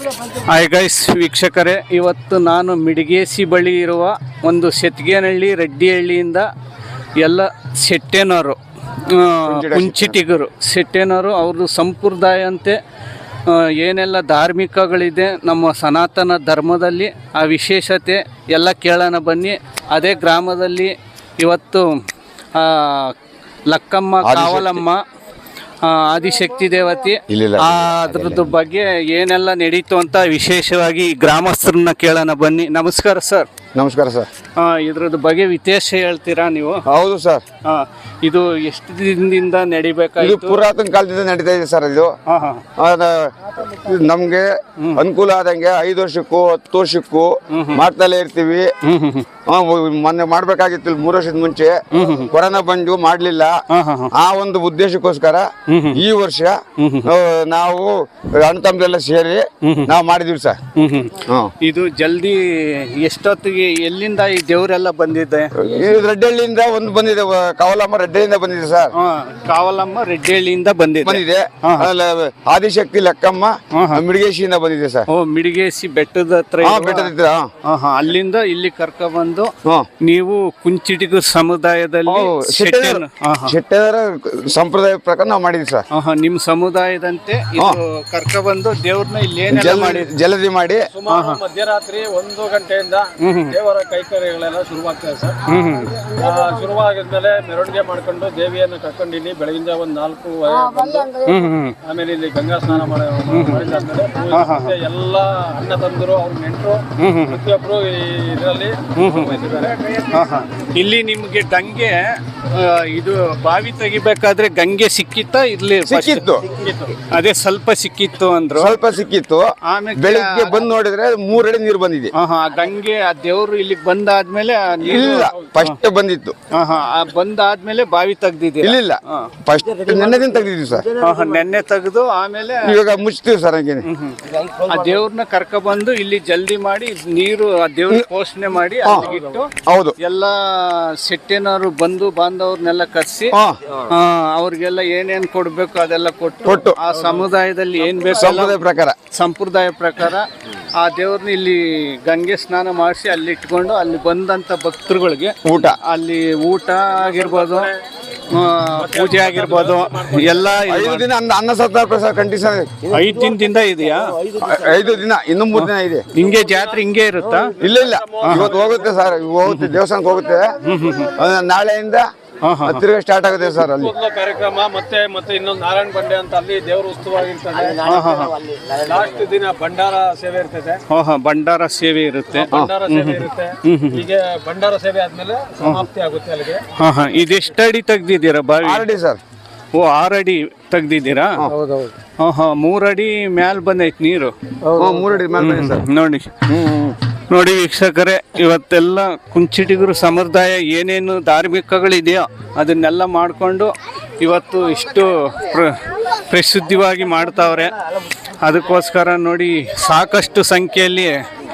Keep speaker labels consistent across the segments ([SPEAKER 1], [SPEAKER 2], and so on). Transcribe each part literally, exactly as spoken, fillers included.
[SPEAKER 1] Hi guys ವೀಕ್ಷಕರೇ, ಇವತ್ತು ನಾನು ಮಿಡಿಗೇಸಿ ಬಳಿ ಇರುವ ಒಂದು ಸೆತ್ಗೇನಹಳ್ಳಿ ರೆಡ್ಡಿಹಳ್ಳಿಯಿಂದ ಎಲ್ಲ ಶೆಟ್ಟೆನವರು ಕುಂಚಿಟಿಗರು ಶೆಟ್ಟೆನವರು ಅವ್ರದ್ದು ಸಂಪ್ರದಾಯ ಅಂತೆ ಏನೆಲ್ಲ ಧಾರ್ಮಿಕಗಳಿದೆ ನಮ್ಮ ಸನಾತನ ಧರ್ಮದಲ್ಲಿ ಆ ವಿಶೇಷತೆ ಎಲ್ಲ ಕೇಳೋಣ ಬನ್ನಿ. ಅದೇ ಗ್ರಾಮದಲ್ಲಿ ಇವತ್ತು ಲಕ್ಕಮ್ಮ, ಕಾವಲಮ್ಮ, ಆದಿಶಕ್ತಿ ದೇವತೆ ಅದ್ರದ್ದು ಬಗ್ಗೆ ಏನೆಲ್ಲ ನಡೀತು ಅಂತ ವಿಶೇಷವಾಗಿ ಗ್ರಾಮಸ್ಥರನ್ನ ಕೇಳೋಣ ಬನ್ನಿ. ನಮಸ್ಕಾರ ಸರ್.
[SPEAKER 2] ನಮಸ್ಕಾರ ಸರ್.
[SPEAKER 1] ಇದ್ರದ್ದು ಬಗ್ಗೆ ವಿಶೇಷ ಹೇಳ್ತೀರಾ ನೀವು?
[SPEAKER 2] ಹೌದು ಸರ್.
[SPEAKER 1] ಇದು ಎಷ್ಟು ದಿನದಿಂದ ನಡಿಬೇಕಾಯ್ತು?
[SPEAKER 2] ಇದು ಪುರಾತನ ಕಾಲದಿಂದ ನಡೀತಾ ಇದೆ ಸರ್. ಇದು ನಮ್ಗೆ ಅನುಕೂಲ ಆದಂಗೆ ಐದು ವರ್ಷಕ್ಕೂ ಹತ್ತು ವರ್ಷಕ್ಕೂ ಮಾಡ್ತಲೇ ಇರ್ತೀವಿ. ಮೊನ್ನೆ ಮಾಡ್ಬೇಕಾಗಿತ್ತು ಮೂರು ವರ್ಷದ ಮುಂಚೆ, ಕೊರೋನಾ ಬಂದು ಮಾಡ್ಲಿಲ್ಲ. ಆ ಒಂದು ಉದ್ದೇಶಕ್ಕೋಸ್ಕರ ಈ ವರ್ಷ ನಾವು ಅಣ್ಣ ತಮ್ಮದೆಲ್ಲ ಸೇರಿ ನಾವು ಮಾಡಿದೀವಿ ಸರ್.
[SPEAKER 1] ಇದು ಜಲ್ದಿ ಎಷ್ಟೊತ್ತಿಗೆ ಎಲ್ಲಿಂದ ಈ ದೇವರೆಲ್ಲ ಬಂದಿದೆ?
[SPEAKER 2] ರೆಡ್ಡಿಹಳ್ಳಿಯಿಂದ ಒಂದು ಬಂದಿದೆ, ಕಾವಲಮ್ಮ ರೆಡ್ಡಿಹಳ್ಳಿಯಿಂದ ಬಂದಿದೆ ಸರ್.
[SPEAKER 1] ಕಾವಲಮ್ಮ ರೆಡ್ಡಿಹಳ್ಳಿಯಿಂದ ಬಂದಿದೆ
[SPEAKER 2] ಬಂದಿದೆ ಆದಿಶಕ್ತಿ ಲಕ್ಕಮ್ಮ ಮಿಡಿಗೇಸಿಯಿಂದ ಬಂದಿದೆ ಸರ್.
[SPEAKER 1] ಓ, ಮಿಡಿಗೇಸಿ ಬೆಟ್ಟದ ಹತ್ರ
[SPEAKER 2] ಬೆಟ್ಟದ
[SPEAKER 1] ಅಲ್ಲಿಂದ ಇಲ್ಲಿ ಕರ್ಕ ಬಂದು ನೀವು ಕುಂಚಿಟಿಗ ಸಮುದಾಯದಲ್ಲಿ
[SPEAKER 2] ಶೆಟ್ಟೆದರ ಸಂಪ್ರದಾಯ ಪ್ರಕಾರ ನಾವು ಮಾಡಿದ್ವಿ ಸರ್.
[SPEAKER 1] ನಿಮ್ ಸಮುದಾಯದಂತೆ ಕರ್ಕ ಬಂದು ದೇವ್ರನ್ನ ಇಲ್ಲಿ
[SPEAKER 2] ಜಲದಿ ಮಾಡಿ
[SPEAKER 3] ಮಧ್ಯರಾತ್ರಿ ಒಂದು ಗಂಟೆಯಿಂದ ದೇವರ ಕೈಕರ್ಯಗಳೆಲ್ಲ ಶುರುವಾಗ್ತದೆ ಸರ್. ಶುರುವಾಗಿದ್ಮೇಲೆ ಮೆರವಣಿಗೆ ಮಾಡ್ಕೊಂಡು ದೇವಿಯನ್ನು ಕರ್ಕೊಂಡು ಇಲ್ಲಿ ಬೆಳಗಿನ ಒಂದ್ ನಾಲ್ಕು ಆಮೇಲೆ ಇಲ್ಲಿ ಗಂಗಾ ಸ್ನಾನ ಮಾಡಿದಾದ್ಮೇಲೆ ಎಲ್ಲ ಅಣ್ಣ ತಂದರು ಅವ್ರ ನೆಂಟರು ಪ್ರತಿಯೊಬ್ರು ಇದರಲ್ಲಿ
[SPEAKER 1] ಇಲ್ಲಿ ನಿಮ್ಗೆ ಗಂಗೆ ಇದು ಬಾವಿ ತೆಗಿಬೇಕಾದ್ರೆ ಗಂಗೆ ಸಿಕ್ಕಿತ್ತ? ಇರ್ಲಿ
[SPEAKER 2] ಸಿಕ್ಕಿತ್ತು,
[SPEAKER 1] ಅದೇ ಸ್ವಲ್ಪ ಸಿಕ್ಕಿತ್ತು ಅಂದ್ರು.
[SPEAKER 2] ಸ್ವಲ್ಪ ಸಿಕ್ಕಿತ್ತು. ಆಮೇಲೆ ಬೆಳಿಗ್ಗೆ ಬಂದ್ ನೋಡಿದ್ರೆ ಮೂರಡಿ ನೀರು ಬಂದಿದೆ.
[SPEAKER 1] ಗಂಗೆ ಆ ದೇವ್ರು ಇಲ್ಲಿಗೆ ಬಂದಾದ್ಮೇಲೆ
[SPEAKER 2] ಇಲ್ಲ, ಫಸ್ಟ್ ಬಂದಿತ್ತು.
[SPEAKER 1] ಬಂದಾದ್ಮೇಲೆ ಬಾವಿ ತೆಗ್ದಿದ್ದೀವಿ?
[SPEAKER 2] ಇಲ್ಲ, ಫಸ್ಟ್ ನೆನ್ನೆ ದಿನ ತೆಗ್ದಿದ್ವಿ ಸರ್.
[SPEAKER 1] ನೆನ್ನೆ ತೆಗೆದು ಆಮೇಲೆ
[SPEAKER 2] ಇವಾಗ ಮುಚ್ತೀವಿ ಸರ್. ಹಂಗೇನೆ
[SPEAKER 1] ಆ ದೇವ್ರನ್ನ ಕರ್ಕ ಬಂದು ಇಲ್ಲಿ ಜಲ್ದಿ ಮಾಡಿ ನೀರು ಆ ದೇವ್ರ ಪೋಷಣೆ ಮಾಡಿ ಇಟ್ಟು
[SPEAKER 2] ಹೌದು
[SPEAKER 1] ಎಲ್ಲ ಶೆಟ್ಟಿನವರು ಬಂದು ಬಾಂಧವ್ರನ್ನೆಲ್ಲ ಕರ್ಸಿ ಅವ್ರಿಗೆಲ್ಲ ಏನೇನ್ ಕೊಡ್ಬೇಕು ಅದೆಲ್ಲ ಕೊಟ್ಟು ಆ ಸಮುದಾಯದಲ್ಲಿ ಏನ್ ಬೇಕು
[SPEAKER 2] ಸಂಪ್ರದಾಯ ಪ್ರಕಾರ
[SPEAKER 1] ಸಂಪ್ರದಾಯ ಪ್ರಕಾರ ಆ ದೇವ್ರನ್ನ ಇಲ್ಲಿ ಗಂಗೆ ಸ್ನಾನ ಮಾಡಿಸಿ ಅಲ್ಲಿ ಇಟ್ಕೊಂಡು ಅಲ್ಲಿ ಬಂದಂತ ಭಕ್ತರುಗಳಿಗೆ
[SPEAKER 2] ಊಟ,
[SPEAKER 1] ಅಲ್ಲಿ ಊಟ ಆಗಿರ್ಬೋದು, ಪೂಜೆ ಆಗಿರ್ಬೋದು, ಎಲ್ಲ
[SPEAKER 2] ಐದು ದಿನ ಅನ್ನ ಸತ್ಕಾರ ಕಂಟಿನ್ಯೂ
[SPEAKER 1] ಐದು ದಿನದಿಂದ ಇದೆಯಾ?
[SPEAKER 2] ಐದು ದಿನ, ಇನ್ನು ಮೂರು ದಿನ ಇದೆ.
[SPEAKER 1] ಹಿಂಗೆ ಜಾತ್ರೆ ಹಿಂಗೆ ಇರುತ್ತಾ?
[SPEAKER 2] ಇಲ್ಲ ಇಲ್ಲ, ಇವತ್ತು ಹೋಗುತ್ತೆ ಸರ್, ಹೋಗುತ್ತೆ ದೇವಸ್ಥಾನಕ್ಕೆ ಹೋಗುತ್ತೆ. ನಾಳೆಯಿಂದ ತಿರುಗ ಸ್ಟಾರ್ಟ್ ಆಗುತ್ತೆ ಸರ್. ಅಲ್ಲಿ
[SPEAKER 3] ಕಾರ್ಯಕ್ರಮ ಮತ್ತೆ ಮತ್ತೆ ಇನ್ನೊಂದು ನಾರಾಯಣ ಬಂಡೆ ಅಂತ ಅಲ್ಲಿ ದೇವರ ಉತ್ಸವವಾಗಿರ್ತದೆ. ಲಾಸ್ಟ್ ದಿನ ಭಂಡಾರ ಸೇವೆ ಇರ್ತದೆ.
[SPEAKER 1] ಭಂಡಾರ ಸೇವೆ ಇರುತ್ತೆ.
[SPEAKER 3] ಭಂಡಾರ ಸೇವೆ ಇರುತ್ತೆ. ಹೀಗೆ ಭಂಡಾರ ಸೇವೆ ಆದ್ಮೇಲೆ ಸಮಾಪ್ತಿ ಆಗುತ್ತೆ ಅಲ್ಲಿಗೆ.
[SPEAKER 1] ಇದೆಷ್ಟು ಅಡಿ ತೆಗ್ದಿದ್ದೀರಾ ಬಾವಿ?
[SPEAKER 2] Already sir.
[SPEAKER 1] ಓ, ಆರು ಅಡಿ ತೆಗ್ದಿದ್ದೀರಾ?
[SPEAKER 3] ಹೌದೌದು.
[SPEAKER 1] ಹಾ, ಮೂರ್ ಅಡಿ ಮ್ಯಾಲ್ ಬಂದೈತಿ ನೀರು.
[SPEAKER 2] ಮೂರ್ ಅಡಿ ಮ್ಯಾಲ್ ಬಂದಿದೆ ಸರ್.
[SPEAKER 1] ನೋಡಿ ನೋಡಿ ವೀಕ್ಷಕರೇ, ಇವತ್ತೆಲ್ಲ ಕುಂಚಿಟಿಗರು ಸಮುದಾಯ ಏನೇನು ಧಾರ್ಮಿಕಗಳಿದೆಯೋ ಅದನ್ನೆಲ್ಲ ಮಾಡಿಕೊಂಡು ಇವತ್ತು ಇಷ್ಟು ಪ್ರ ಪ್ರಸಿದ್ಧವಾಗಿ ಮಾಡ್ತಾವ್ರೆ. ಅದಕ್ಕೋಸ್ಕರ ನೋಡಿ ಸಾಕಷ್ಟು ಸಂಖ್ಯೆಯಲ್ಲಿ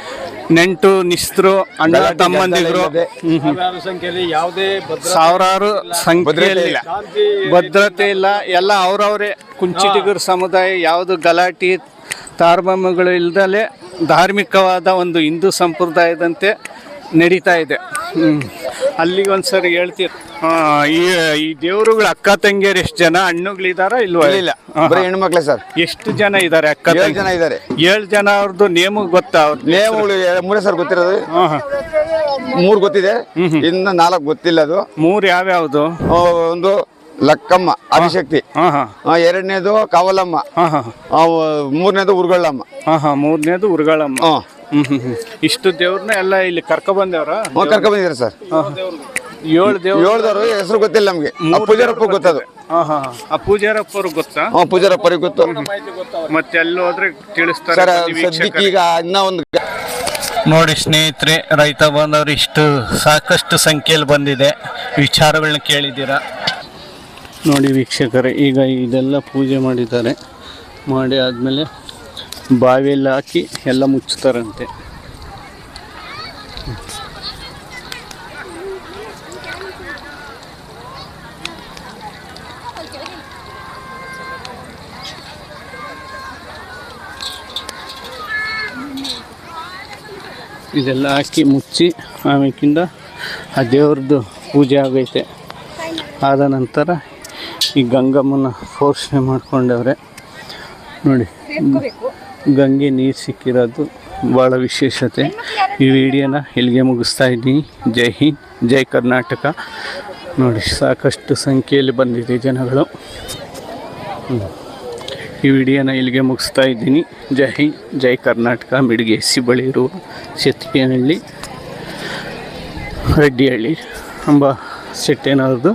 [SPEAKER 1] ನೆಂಟು ನಿಸ್ತರು, ಅಣ್ಣ ತಮ್ಮಂದಿದ್ರು,
[SPEAKER 3] ಸಂಖ್ಯೆಯಲ್ಲಿ ಯಾವುದೇ
[SPEAKER 1] ಸಾವಿರಾರು ಸಂಖ್ಯೆಯಲ್ಲಿ ಭದ್ರತೆ ಇಲ್ಲ. ಎಲ್ಲ ಅವ್ರವ್ರೆ ಕುಂಚಿಟಿಗರು ಸಮುದಾಯ ಯಾವುದು ಗಲಾಟೆ ತಾರತಮ್ಯಗಳು ಇಲ್ದಲೆ ಧಾರ್ಮಿಕವಾದ ಒಂದು ಹಿಂದೂ ಸಂಪ್ರದಾಯದಂತೆ ನಡೀತಾ ಇದೆ. ಅಲ್ಲಿಗೆ ಒಂದ್ಸರಿ ಹೇಳ್ತೀರ, ಈ ಈ ದೇವರುಗಳ ಅಕ್ಕ ತಂಗಿಯರು ಎಷ್ಟು ಜನ ಅಣ್ಣಗಳಿದಾರ ಇಲ್ವಾ?
[SPEAKER 2] ಇಲ್ಲ, ಬರೀ ಹೆಣ್ಮಕ್ಳೆ ಸರ್.
[SPEAKER 1] ಎಷ್ಟು ಜನ ಇದಾರೆ ಅಕ್ಕ?
[SPEAKER 2] ಏಳು ಜನ ಇದಾರೆ.
[SPEAKER 1] ಏಳು ಜನ ಅವ್ರದ್ದು ನೇಮ ಗೊತ್ತಾ?
[SPEAKER 2] ನೇಮಗಳು ಮೂರೇ ಸರ್ ಗೊತ್ತಿರೋದು. ಮೂರು ಗೊತ್ತಿದೆ, ಇನ್ನು ನಾಲ್ಕು ಗೊತ್ತಿಲ್ಲ. ಅದು
[SPEAKER 1] ಮೂರು ಯಾವ್ಯಾವ್ದು?
[SPEAKER 2] ಒಂದು ಲಕ್ಕಮ್ಮ ಆದಿಶಕ್ತಿ, ಎರಡನೇದು ಕಾವಲಮ್ಮ, ಮೂರನೇದು ಉರ್ಗಳಮ್ಮ.
[SPEAKER 1] ಮೂರನೇದು ಉರ್ಗಳಮ್ಮ. ಇಷ್ಟು ದೇವ್ರನ್ನ ಎಲ್ಲ ಇಲ್ಲಿ ಕರ್ಕ ಬಂದೇವ್ರ?
[SPEAKER 2] ಕರ್ಕ ಬಂದಿದ್ದಾರೆ ಸರ್.
[SPEAKER 1] ಏಳು ದೇವ್ರ
[SPEAKER 2] ಏಳ್ದವ್ರು ಹೆಸರು ಗೊತ್ತಿಲ್ಲ ನಮ್ಗೆ. ಪೂಜಾರಪ್ಪ ಗೊತ್ತದು.
[SPEAKER 1] ಆ ಪೂಜಾರಪ್ಪ ಅವ್ರಿಗೆ ಗೊತ್ತಾ?
[SPEAKER 2] ಪೂಜಾರಪ್ಪರಿಗೆ ಗೊತ್ತು.
[SPEAKER 1] ಮತ್ತೆ ಅಲ್ಲಿ ಹೋದ್ರೆ ತಿಳಿಸ್ತಾರೆ.
[SPEAKER 2] ಸದ್ಯಕ್ಕೆ ಈಗ ಇನ್ನ ಒಂದು
[SPEAKER 1] ನೋಡಿ ಸ್ನೇಹಿತರೆ, ರೈತ ಬಂದವರು ಇಷ್ಟು ಸಾಕಷ್ಟು ಸಂಖ್ಯೆಯಲ್ಲಿ ಬಂದಿದೆ. ವಿಚಾರಗಳನ್ನ ಕೇಳಿದ್ದೀರಾ ನೋಡಿ ವೀಕ್ಷಕರೇ. ಈಗ ಇದೆಲ್ಲ ಪೂಜೆ ಮಾಡಿದ್ದಾರೆ. ಮಾಡಿ ಆದಮೇಲೆ ಬಾವಿಯಲ್ಲಿ ಹಾಕಿ ಎಲ್ಲ ಮುಚ್ಚುತ್ತಾರಂತೆ. ಇದೆಲ್ಲ ಹಾಕಿ ಮುಚ್ಚಿ ಆಮೇಕಿಂದ ಆ ದೇವ್ರದ್ದು ಪೂಜೆ ಆಗೈತೆ. ಆದ ನಂತರ ಈ ಗಂಗಮ್ಮನ ಪೋಷಣೆ ಮಾಡ್ಕೊಂಡವ್ರೆ ನೋಡಿ. ಗಂಗೆ ನೀರು ಸಿಕ್ಕಿರೋದು ಭಾಳ ವಿಶೇಷತೆ. ಈ ವಿಡಿಯೋನ ಇಲ್ಲಿಗೆ ಮುಗಿಸ್ತಾ ಇದ್ದೀನಿ. ಜೈ ಹಿಂದ್, ಜೈ ಕರ್ನಾಟಕ. ನೋಡಿ ಸಾಕಷ್ಟು ಸಂಖ್ಯೆಯಲ್ಲಿ ಬಂದಿದೆ ಜನಗಳು. ಈ ವಿಡಿಯೋನ ಇಲ್ಲಿಗೆ ಮುಗಿಸ್ತಾ ಇದ್ದೀನಿ. ಜೈ ಹಿಂದ್, ಜೈ ಕರ್ನಾಟಕ. ಮಿಡಿಗೆ ಸಿ ಬಳಿ ಇರುವ ಶೆತ್ತಿಗೆನಹಳ್ಳಿ ರೆಡ್ಡಿಹಳ್ಳಿ ಎಂಬ ಶೆಟ್ಟೇನವ್ರದ್ದು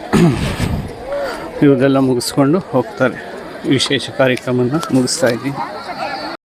[SPEAKER 1] ಇವೆಲ್ಲ ಮುಗಿಸ್ಕೊಂಡು ಹೋಗ್ತಾರೆ. ವಿಶೇಷ ಕಾರ್ಯಕ್ರಮನ ಮುಗಿಸ್ತಾ ಇದ್ದೀನಿ.